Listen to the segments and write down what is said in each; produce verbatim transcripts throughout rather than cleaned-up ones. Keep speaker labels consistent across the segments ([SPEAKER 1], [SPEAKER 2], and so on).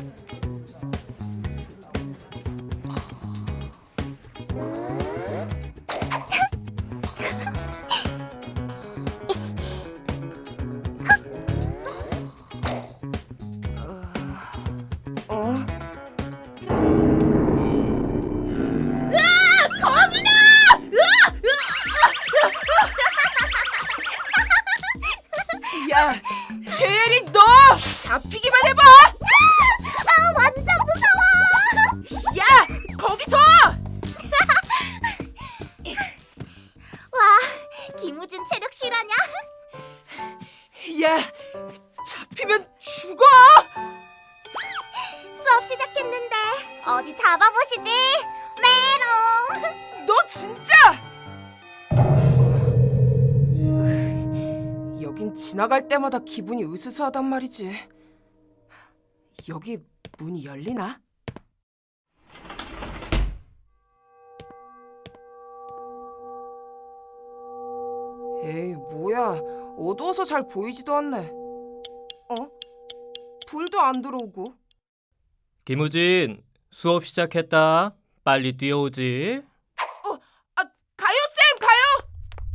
[SPEAKER 1] 야, 최예리 너 잡히기만 해봐.
[SPEAKER 2] 아, 완전 무서워.
[SPEAKER 1] 야, 거기서.
[SPEAKER 2] 와, 김우진 체력 실화냐?
[SPEAKER 1] 야, 잡히면 죽어.
[SPEAKER 2] 수업 시작했는데 어디 잡아보시지. 메롱.
[SPEAKER 1] 너 진짜. 여긴 지나갈 때마다 기분이 으스스하단 말이지. 여기 문이 열리나? 에이, 뭐야. 어두워서 잘 보이지도 않네. 어? 불도 안 들어오고.
[SPEAKER 3] 김우진, 수업 시작했다. 빨리 뛰어오지.
[SPEAKER 1] 어, 아, 가요 쌤, 가요.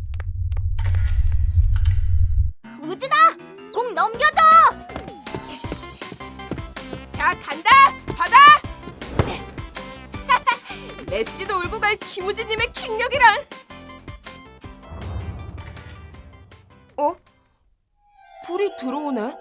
[SPEAKER 2] 우진아, 공 넘겨줘.
[SPEAKER 1] 자, 간다. 받아. 메시도 울고 갈 김우진님의 킥력이란. 어? 불이 들어오네?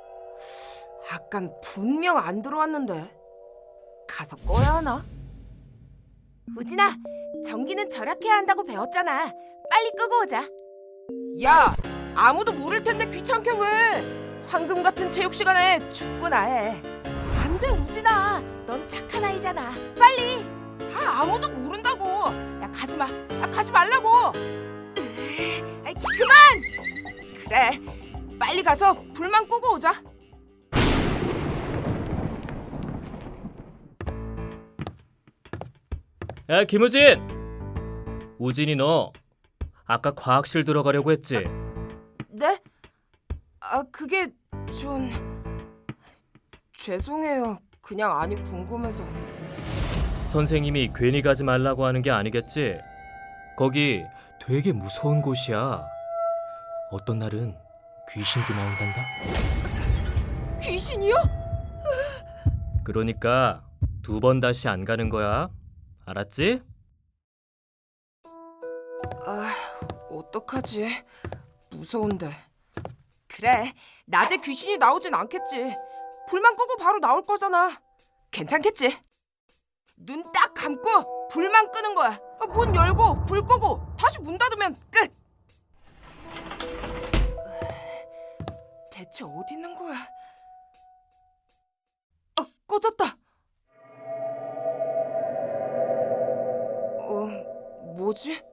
[SPEAKER 1] 아깐 분명 안 들어왔는데. 가서 꺼야 하나? 우진아, 전기는 절약해야 한다고 배웠잖아. 빨리 끄고 오자. 야, 아무도 모를 텐데 귀찮게 왜? 황금 같은 체육 시간에 축구나 해. 안 돼, 우진아. 넌 착한 아이잖아. 빨리. 아, 아무도 모른다고. 야, 가지 마. 아, 가지 말라고. 으, 아이, 그만. 그래, 빨리 가서 불만 끄고 오자.
[SPEAKER 3] 야, 김우진! 우진이 너 아까 과학실 들어가려고 했지?
[SPEAKER 1] 네? 아, 그게 전... 죄송해요. 그냥 아니 궁금해서.
[SPEAKER 3] 선생님이 괜히 가지 말라고 하는 게 아니겠지? 거기 되게 무서운 곳이야. 어떤 날은 귀신도 나온단다.
[SPEAKER 1] 귀신이요?
[SPEAKER 3] 그러니까 두 번 다시 안 가는 거야. 알았지?
[SPEAKER 1] 아, 어떡하지? 무서운데. 그래, 낮에 귀신이 나오진 않겠지. 불만 끄고 바로 나올 거잖아. 괜찮겠지? 눈 딱 감고 불만 끄는 거야. 아, 문 열고 불 끄고 다시 문 닫으면 끝. 대체 어디 있는 거야? 아, 꺼졌다. 어, 뭐지?